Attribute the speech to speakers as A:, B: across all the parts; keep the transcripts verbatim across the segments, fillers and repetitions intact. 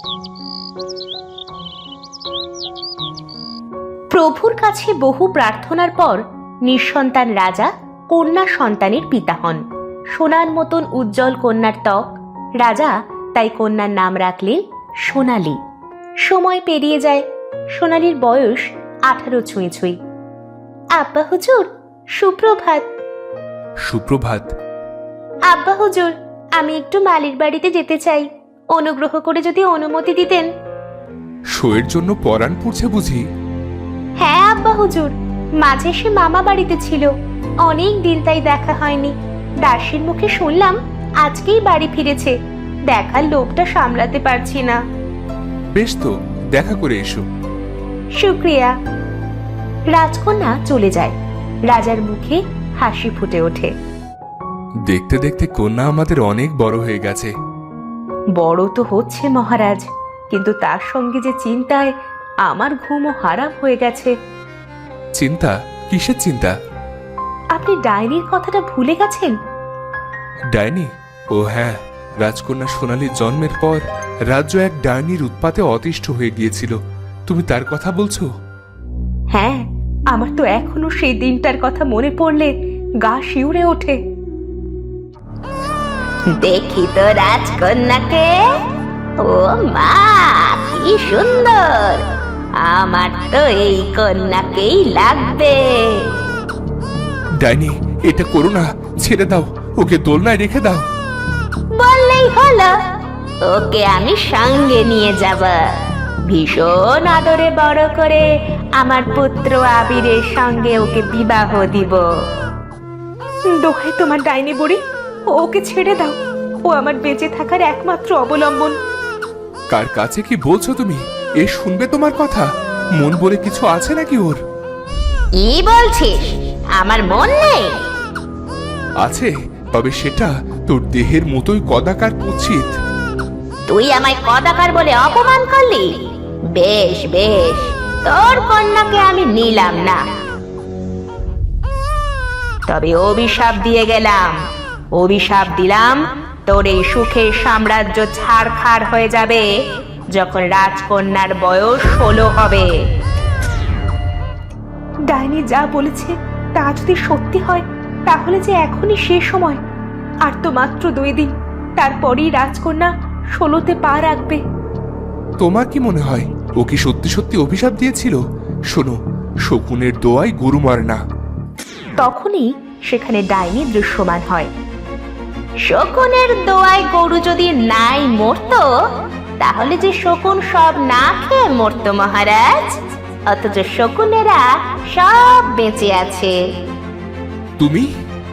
A: প্রভুর কাছে বহু প্রার্থনার পর নিঃসন্তান রাজা কন্যা সন্তানের পিতা হন। সোনার মতন উজ্জ্বল কন্যার ত্বক, রাজা তাই কন্যার নাম রাখলেন সোনালী। সময় পেরিয়ে যায়, সোনালীর বয়স আঠারো ছুঁই ছুঁই। আব্বা হুজুর, সুপ্রভাত।
B: সুপ্রভাত।
A: আব্বা হুজুর, আমি একটু মালির বাড়িতে যেতে চাই, অনুগ্রহ করে যদি অনুমতি দিতেন।
B: শোয়ের জন্য পরাণ পড়ছে বুঝি?
A: হ্যাঁ আব্বা হুজুর, মাঝে সে মামা বাড়িতে ছিল, অনেক দিন তাই দেখা হয়নি। দাসীর মুখে শুনলাম আজকেই বাড়ি ফিরেছে, দেখার লোভটা সামলাতে পারছি না।
B: বেশ তো, দেখা করে এসো।
A: শুক্রিয়া। রাজকন্যা চলে যায়, রাজার মুখে হাসি ফুটে ওঠে।
B: দেখতে দেখতে কন্যা আমাদের অনেক বড় হয়ে গেছে।
A: বড় তো হচ্ছে মহারাজ, কিন্তু তার সঙ্গে যে চিন্তায় আমার ঘুমও হারাম হয়ে গেছে।
B: চিন্তা? কিসের চিন্তা?
A: আপনি ডাইনির কথাটা ভুলে গেছেন?
B: ডাইনি? ও হ্যাঁ, রাজকন্যা সোনালীর জন্মের পর রাজ্য এক ডাইনির উৎপাতে অতিষ্ঠ হয়ে গিয়েছিল। তুমি তার কথা বলছো?
A: হ্যাঁ, আমার তো এখনো সেই দিনটার কথা মনে পড়লে গা শিউরে ওঠে। দেখি তো রাজকন্যাকে। ও মা, কি সুন্দর! আমার তো এই কন্যাকেই লাগবে।
B: ডাইনি, এটা করো না, ছেড়ে দাও, ওকে দোলনায় রেখে দাও।
A: বললেই হলো, ওকে আমি সঙ্গে নিয়ে যাব, ভীষণ আদরে বড় করে আমার পুত্র আবিরের সঙ্গে ওকে বিবাহ দিব। দোহাই তোমার ডাইনি বুড়ি, ওকে ছেড়ে দাও, ও আমার বেঁচে থাকার একমাত্র অবলম্বন।
B: কার কাছে কি বলছো তুমি? এ শুনবে তোমার কথা? মন বলে কিছু আছে নাকি ওর?
A: কি বলছিস? আমার মন নেই?
B: আছে, তবে সেটা তোর দেহের মতোই কদাকার কুৎসিত।
A: তুই আমায় কদাকার বলে অপমান করলি? বেশ বেশ, তোর কন্যাকে আমি নিলাম না, তবে অভিশাপ দিয়ে গেলাম। অভিশাপ দিলাম, তোর এই সুখের সাম্রাজ্য ছাড়খাড় হয়ে যাবে যখন রাজকন্যার বয়স ষোলো হবে। ডাইনি যা বলেছে তা যদি সত্যি হয়, তাহলে যে এখনই শেষ সময়। আর তো মাত্র দুই দিন, তারপরেই রাজকন্যা ষোলোতে পা রাখবে।
B: তোমার কি মনে হয় ও কি সত্যি সত্যি অভিশাপ দিয়েছিল? শোনো, শকুনের দোয়ায় গরু মার না।
A: তখনই সেখানে ডাইনি দৃশ্যমান হয়। শকুনের দোয়ায় গরু যদি নাই মরতো, তাহলে যে শকুন সব না খেয়ে মরতো মহারাজ, অথচ শকুনেরা সব বেঁচে আছে।
B: তুমি?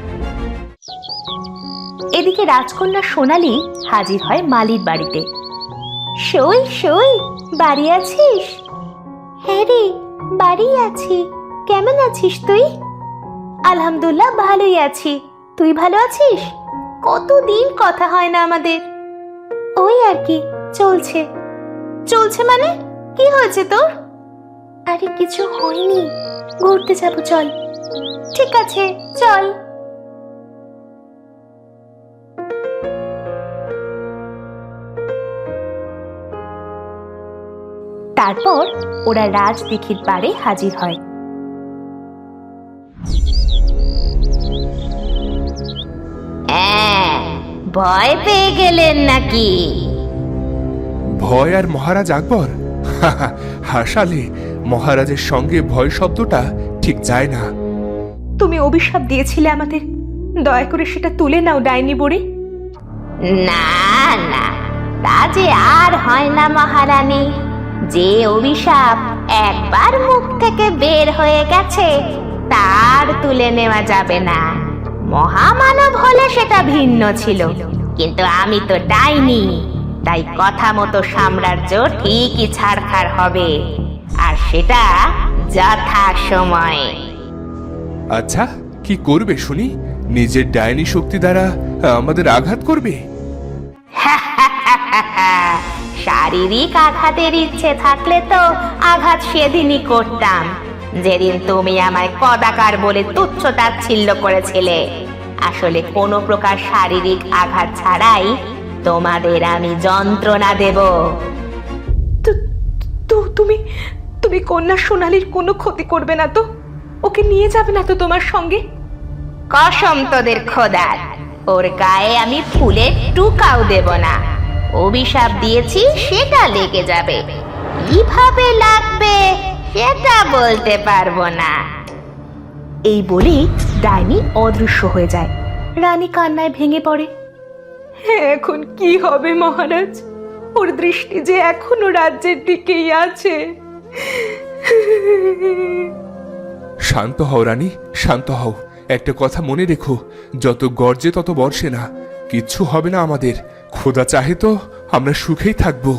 A: এদিকে রাজকন্যা সোনালী হাজির হয় মালির বাড়িতে। সই সই, বাড়ি আছিস? হ্যাঁ রে, বাড়ি আছি। কেমন আছিস তুই? আলহামদুলিল্লাহ, ভালোই আছি। তুই ভালো আছিস? কতদিন কথা হয় না আমাদের। ওই আর কি, চলছে। চলছে মানে? কি হয়েছে তোর? আরে কিছু হয়নি, ঘুরতে যাবো, চল। ঠিক আছে, চল। তারপর ওরা রাজদিঘির পাড়ে হাজির হয়। ভয় পেয়ে গেলেন নাকি?
B: ভয় আর মহারাজ আকবর? হাসালে, মহারাজের সঙ্গে ভয় শব্দটা ঠিক যায় না।
A: তুমি অভিশাপ দিয়েছিলে আমাদের, দয়া করে সেটা তুলে নাও ডাইনি বুড়ি। না না, তা যে আর হয় না মহারানী। যে অভিশাপ একবার মুখ থেকে বের হয়ে গেছে, তার তুলে নেওয়া যাবে না। মহামানব হলে সেটা ভিন্ন ছিল, কিন্তু আমি তো ডাইনি, তাই কথা মতো সাম্রাজ্য ঠিকই ছাড়খাড় হবে, আর সেটা যথা সময়।
B: আচ্ছা, কি করবে শুনি? নিজের ডাইনি শক্তি দ্বারা আমাদের আঘাত করবে?
A: শারীরিক আঘাতের ইচ্ছে থাকলে তো আঘাত সেদিনই করতাম, যেদিন তুমি আমায় কদাকার বলে তুচ্ছ তাচ্ছিল্য করেছিলে। আসলে কোনো প্রকার শারীরিক আঘাত ছাড়াই তোমাদের আমি যন্ত্রণা দেব। তুমি তুমি কন্যা সোনালীর কোনো ক্ষতি করবে না তো? ওকে নিয়ে যাবে না তো তোমার সঙ্গে? কসম তোদের খোদার, ওর গায়ে আমি ফুলের টুকাও দেব না। অভিশাপ দিয়েছি, সেটা লেগে যাবে। কিভাবে লাগবে সেটা বলতে পারবো না। এই বলে ডাইনি অদৃশ্য হয়ে যায়। রানী কান্নায় ভেঙে পড়ে। এখন কি হবে মহারাজ? ওর দৃষ্টি যে এখনো রাজ্যের দিকেই আছে।
B: শান্ত হও রানী, শান্ত হও। একটা কথা মনে রেখো, যত গর্জে তত বর্ষে না। কিচ্ছু হবে না আমাদের। খোদা চাহে তো আমরা সুখেই থাকবো।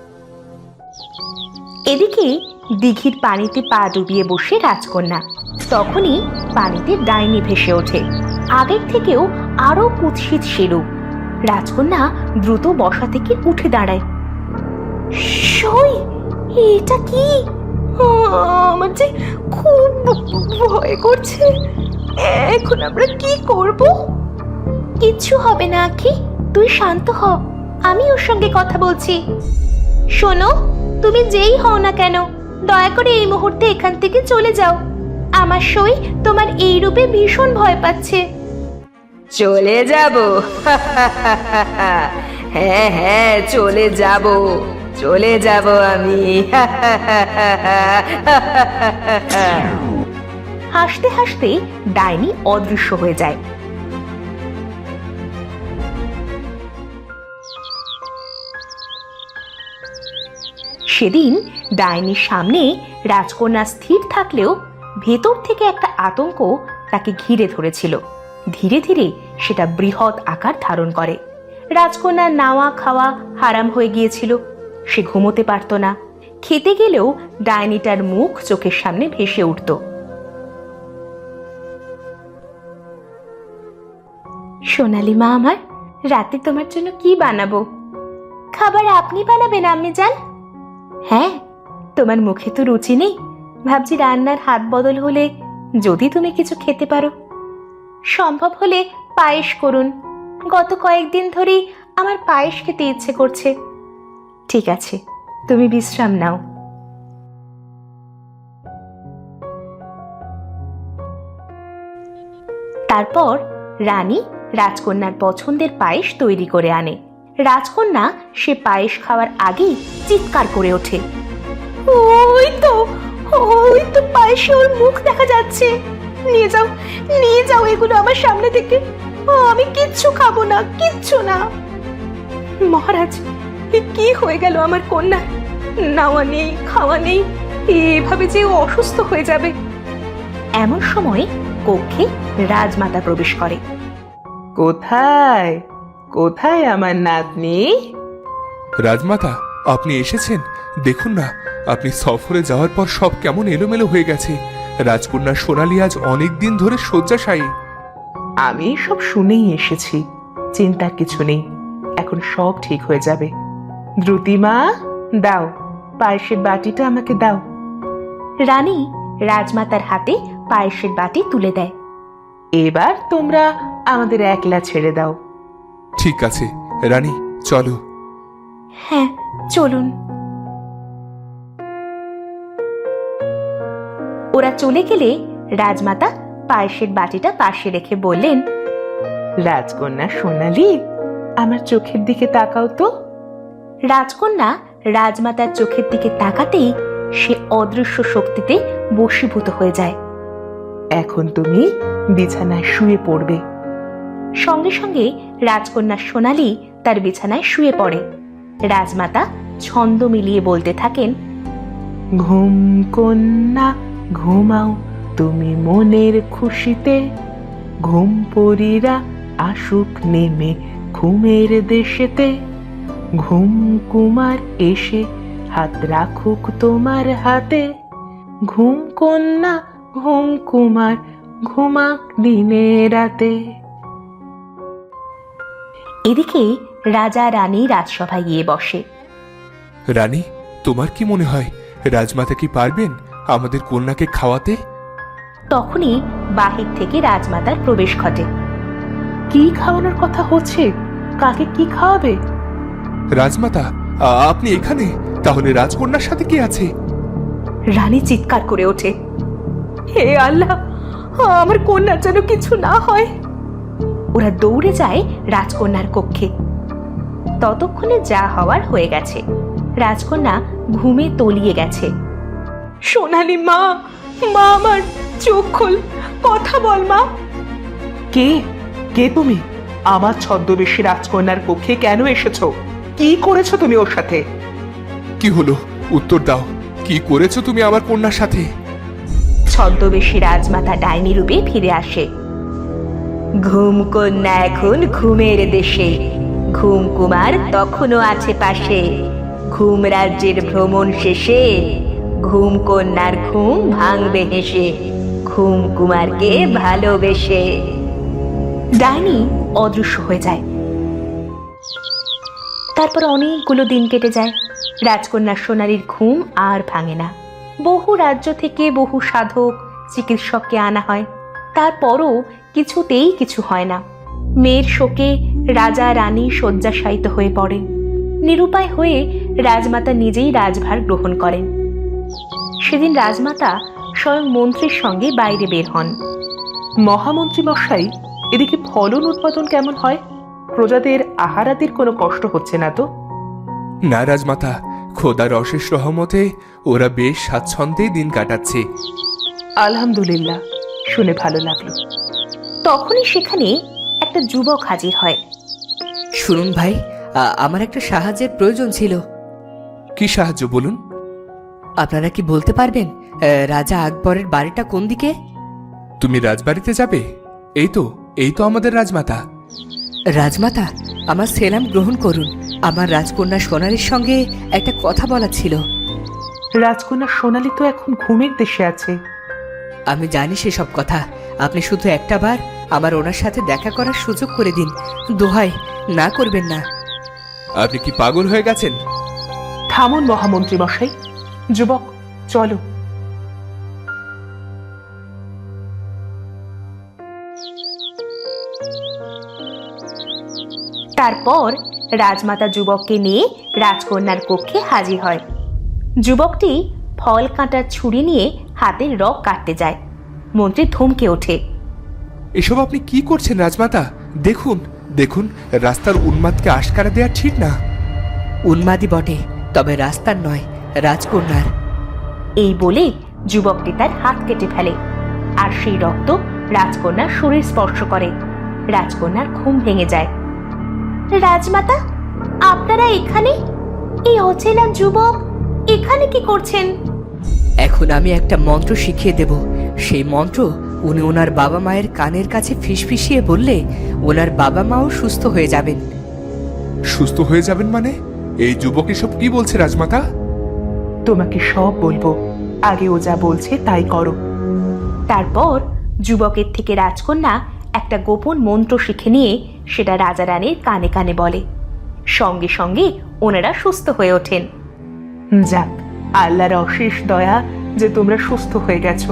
A: এদিকে দিঘির পানিতে পা ডুবিয়ে বসে রাজকন্যা। তখনই পানিতে ডাইনি ভেসে ওঠে, আগের থেকেও আরো কুৎসিত সেরূপ। রাজকন্যা দ্রুত বসা থেকে উঠে দাঁড়ায়। সই, এটা কি? আমার যে খুব ভয় করছে। এখন আমরা কি করব? কিচ্ছু হবে না আখি, তুই শান্ত হ। আমি ওর সঙ্গে কথা বলছি। শোনো, তুমি যেই হও না কেন, দয়া করে এই মুহূর্তে এখান থেকে চলে যাও। আমার সই তোমার এই রূপে ভীষণ ভয় পাচ্ছে। চলে যাব? হ্যাঁ হ্যাঁ, চলে যাব, চলে যাব আমি। হাসতে হাসতে ডাইনি অদৃশ্য হয়ে যায়। সেদিন ডাইনির সামনে রাজকন্যা স্থির থাকলেও ভেতর থেকে একটা আতঙ্ক তাকে ঘিরে ধরেছিল। ধীরে ধীরে সেটা বৃহৎ আকার ধারণ করে। রাজকন্যার নাওয়া খাওয়া হারাম হয়ে গিয়েছিল। সে ঘুমোতে পারত না। খেতে গেলেও ডাইনিটার মুখ চোখের সামনে ভেসে উঠত। সোনালি মা আমার, রাতে তোমার জন্য কি বানাবো? খাবার আপনি বানাবেন আম্মি জান? হ্যাঁ, তোমার মুখে তো রুচি নেই। ভাবছি রান্নার হাত বদল হলে যদি তুমি কিছু খেতে পারো। সম্ভব হলে পায়েস করুন। গত কয়েকদিন ধরেই আমার পায়েস খেতে ইচ্ছে করছে। ঠিক আছে, তুমি বিশ্রাম নাও। তারপর রানী রাজকন্যার পছন্দের পায়েস তৈরি করে আনে। রাজকন্যা সে পায়েস খাওয়ার আগেই চিৎকার করে ওঠে, ওই তো, ওই তো পায়েসে ওর মুখ দেখা যাচ্ছে। নিয়ে যাও, নিয়ে যাও এগুলো আমার সামনে থেকে। ও, আমি কিচ্ছু খাবো না, কিচ্ছু না। মহারাজ, কি হয়ে গেল আমার কন্যা? নাওয়া নেই, খাওয়া নেই, এভাবে যে ও অসুস্থ হয়ে যাবে। এমন সময় কক্ষে রাজমাতা প্রবেশ করে।
C: কোথায় কোথায় আমার নাতনি?
B: রাজমাতা, আপনি এসেছেন? দেখুন না, আপনি সফরে যাওয়ার পর সব কেমন এলোমেলো হয়ে গেছে। রাজকন্যা সোনালী আজ অনেক দিন ধরে শয্যাশায়ী।
C: আমি সব শুনেই এসেছি, চিন্তার কিছু নেই। এখন সব ঠিক হয়ে যাবে। দ্রুতিমা, দাও পায়েসের বাটিটা আমাকে দাও।
A: রানী রাজমাতার হাতে পায়েসের বাটি তুলে দেয়।
C: এবার তোমরা আমাদের একলা ছেড়ে দাও।
B: ঠিক আছে রানী, চলো।
A: হ্যাঁ, চলুন। ওরা চলে গেলে রাজমাতা পায়েসের বাটিটা পাশে রেখে বললেন,
C: রাজকন্যা সোনালী, আমার চোখের দিকে তাকাও তো।
A: রাজকন্যা রাজমাতার চোখের দিকে তাকাতেই সে অদৃশ্য শক্তিতে বশীভূত হয়ে যায়।
C: এখন তুমি বিছানায় শুয়ে পড়বে।
A: সঙ্গে সঙ্গে রাজকন্যা সোনালী তার বিছানায় শুয়ে পড়ে। রাজমাতা ছন্দ মিলিয়ে বলতে থাকেন,
C: ঘুম কন্যা ঘুমাও তুমি মনের খুশিতে, ঘুম পরীরা আসুক নেমে ঘুমের দেশেতে, ঘুম কুমার এসে হাত রাখুক তোমার হাতে, ঘুম কন্যা ঘুম কুমার ঘুমাক দিনে রাতে।
A: এদিকে রাজা রানী রাজসভায় গিয়ে বসে।
B: রানী, তোমার কি মনে হয় রাজমাতা কি পারবেন আমাদের কন্যাকে খাওয়াতে?
A: তখনই বাহির থেকে রাজমাতার প্রবেশ ঘটে।
C: কি খাওয়ানোর কথা হচ্ছে? কাকে কি খাওয়াবে?
B: রাজমাতা, আ- আপনি এখানে? তাহলে রাজকন্যার সাথে কি আছে?
A: রানী চিৎকার করে ওঠে, হে আল্লাহ, আমার কন্যার যেন কিছু না হয়। ওরা দৌড়ে যায় রাজকন্যার কক্ষে। ততক্ষণে যা হওয়ার হয়ে গেছে, রাজকন্যা ঘুমে তলিয়ে গেছে। সোনালি মা, মা আমার, চোখ খোল, কথা বল মা।
C: কে কে তুমি? আমার ছদ্মবেশী রাজকন্যার কক্ষে কেন এসেছো? কি করেছো তুমি ওর সাথে?
B: কি হলো, উত্তর দাও। কি করেছো তুমি আমার কন্যার সাথে?
A: ছদ্মবেশী রাজমাতা ডাইনি রূপে ফিরে আসে। ঘুম কন্যা এখন ঘুমের দেশে, ঘুম কুমার তখনও আছে পাশে। ঘুম রাজ্যের ভ্রমণ শেষে ঘুম কন্যার ঘুম ভাঙবে হেসে, ঘুম কুমারকে ভালোবেসে। ডাইনি অদৃশ্য হয়ে যায়। তারপর অনেকগুলো দিন কেটে যায়। রাজকন্যা সোনালীর ঘুম আর ভাঙে না। বহু রাজ্য থেকে বহু সাধক চিকিৎসককে আনা হয়, তারপরও কিছুতেই কিছু হয় না। মেয়ের শোকে রাজা রানী শয্যাশায়িত হয়ে পড়েন। নিরুপায় হয়ে রাজমাতা নিজেই রাজভার গ্রহণ করেন। সেদিন রাজমাতা স্বয়ং মন্ত্রীর সঙ্গে বাইরে বের হন।
C: মহামন্ত্রী মশাই, এদিকে ফলন উৎপাদন কেমন হয়? প্রজাদের আহারাদির কোনো কষ্ট হচ্ছে না তো?
B: না রাজমাতা, খোদার অশেষ রহমতে ওরা বেশ স্বাচ্ছন্দ্যেই দিন কাটাচ্ছে।
C: আলহামদুলিল্লাহ, শুনে ভালো লাগলো।
A: তখনই সেখানে একটা যুবক হাজির হয়।
D: শুনুন ভাই, আ- আমার একটা সাহায্যের প্রয়োজন ছিল।
B: কি সাহায্য বলুন?
D: আপনারা কি বলতে পারবেন আ, রাজা আকবরের বাড়িটা কোন দিকে?
B: তুমি রাজবাড়িতে যাবে? এই তো এই তো আমাদের রাজমাতা।
D: রাজমাতা, আমার সেলাম গ্রহণ করুন। আমার রাজকন্যা সোনালীর সঙ্গে একটা কথা বলা ছিল।
C: রাজকন্যা সোনালী তো এখন ঘুমের দেশে আছে।
D: আমি জানি সেসব কথা। আপনি শুধু একটা বার আমার ওনার সাথে দেখা করার সুযোগ করে দিন। দোহাই, না করবেন না।
B: আপনি কি পাগল হয়ে গেছেন?
C: থামুন মহামন্ত্রী মশাই। যুবক, চলো।
A: তারপর রাজমাতা যুবককে নিয়ে রাজকন্যার কক্ষে হাজির হয়। যুবকটি ফল কাঁটার ছুরি নিয়ে হাতের রগ কাটতে যায়। মন্ত্রী থমকে ওঠে।
B: এসব আপনি কি করছেন রাজমাতা? দেখুন দেখুন, রাস্তার উন্মাদকে আশকারা দেয়া ঠিক না।
D: উন্মাদি বটে, তবে রাস্তার নয়, রাজকন্যার।
A: এই বলে যুবকটি তার হাত কেটে ফেলে, আর সেই রক্ত রাজকন্যার শরীর স্পর্শ করে। রাজকন্যার ঘুম ভেঙে যায়। রাজমাতা, আপনারা এখানে? এই অচেনা যুবক এখানে কি করছেন?
D: এখন আমি একটা মন্ত্র শিখিয়ে দেব। সেই মন্ত্র উনি ওনার বাবা মায়ের কানের কাছে ফিসফিসিয়ে বললে ওনার বাবা মাও সুস্থ হয়ে যাবেন।
B: সুস্থ হয়ে যাবেন মানে? এই যুবক এসব কি বলছে রাজমাতা?
C: তোমাকে সব বলবো, আগে ও যা বলছে তাই করো।
A: তারপর যুবকের থেকে রাজকন্যা একটা গোপন মন্ত্র শিখে নিয়ে সেটা রাজা রানীর কানে কানে বলে। সঙ্গে সঙ্গে ওনারা সুস্থ হয়ে ওঠেন।
C: যাক, আল্লাহর অশেষ দয়া যে তোমরা সুস্থ হয়ে গেছো।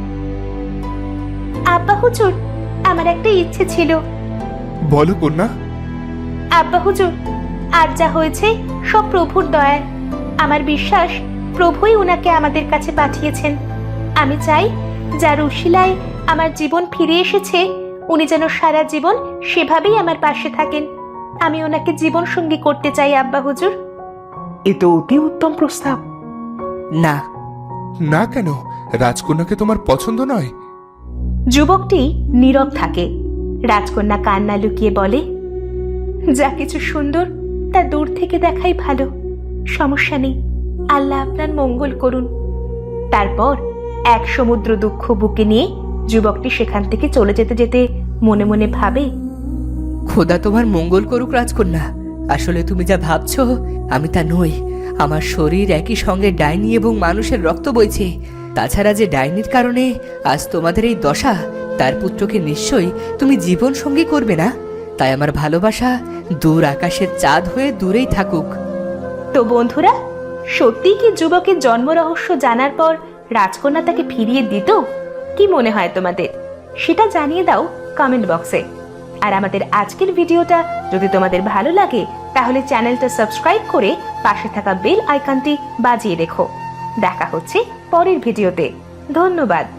A: আব্বা হুজুর, আমার একটা ইচ্ছে ছিল।
B: বলো কন্যা।
A: আব্বা হুজুর, আজ যা হয়েছে সব প্রভুর দয়ায়। আমার বিশ্বাস প্রভুই উনাকে আমাদের কাছে পাঠিয়েছেন। আমি চাই যার উশিলায় আমার জীবন ফিরে এসেছে, উনি যেন সারা জীবন সেভাবেই আমার পাশে থাকেন। আমি ওনাকে জীবন সঙ্গী করতে চাই আব্বা হুজুর।
C: এ তো অতি উত্তম প্রস্তাব।
D: না।
B: না কেন? রাজকন্যাকে তোমার পছন্দ নয়?
A: যুবকটি নীরব থাকে। রাজকন্যা কান্না লুকিয়ে বলে, যা কিছু সুন্দর তা দূর থেকে দেখাই ভালো। সমস্যা নেই, আল্লাহ আপনার মঙ্গল করুন। তারপর এক সমুদ্র দুঃখ বুকে নিয়ে যুবকটি সেখান থেকে চলে যেতে যেতে মনে মনে ভাবে,
D: খোদা তোমার মঙ্গল করুক রাজকন্যা। আসলে তুমি যা ভাবছো আমি তা নই। আমার শরীর একই সঙ্গে ডাইনি এবং মানুষের রক্ত বইছে। তাছাড়া যে ডাইনির কারণে আজ তোমাদের এই দশা, তার পুত্রকে নিশ্চয়ই তুমি জীবন সঙ্গী করবে না। তাই আমার ভালোবাসা দূর আকাশের চাঁদ হয়ে দূরেই থাকুক।
A: তো বন্ধুরা, সত্যিই কি যুবকের জন্ম রহস্য জানার পর রাজকন্যা তাকে ফিরিয়ে দিত? কি মনে হয় তোমাদের? সেটা জানিয়ে দাও কমেন্ট বক্সে। আর আমাদের আজকের ভিডিওটা যদি তোমাদের ভালো লাগে তাহলে চ্যানেলটা সাবস্ক্রাইব করে পাশে থাকা বেল আইকনটি বাজিয়ে রেখো। দেখা হচ্ছে পরের ভিডিওতে। ধন্যবাদ।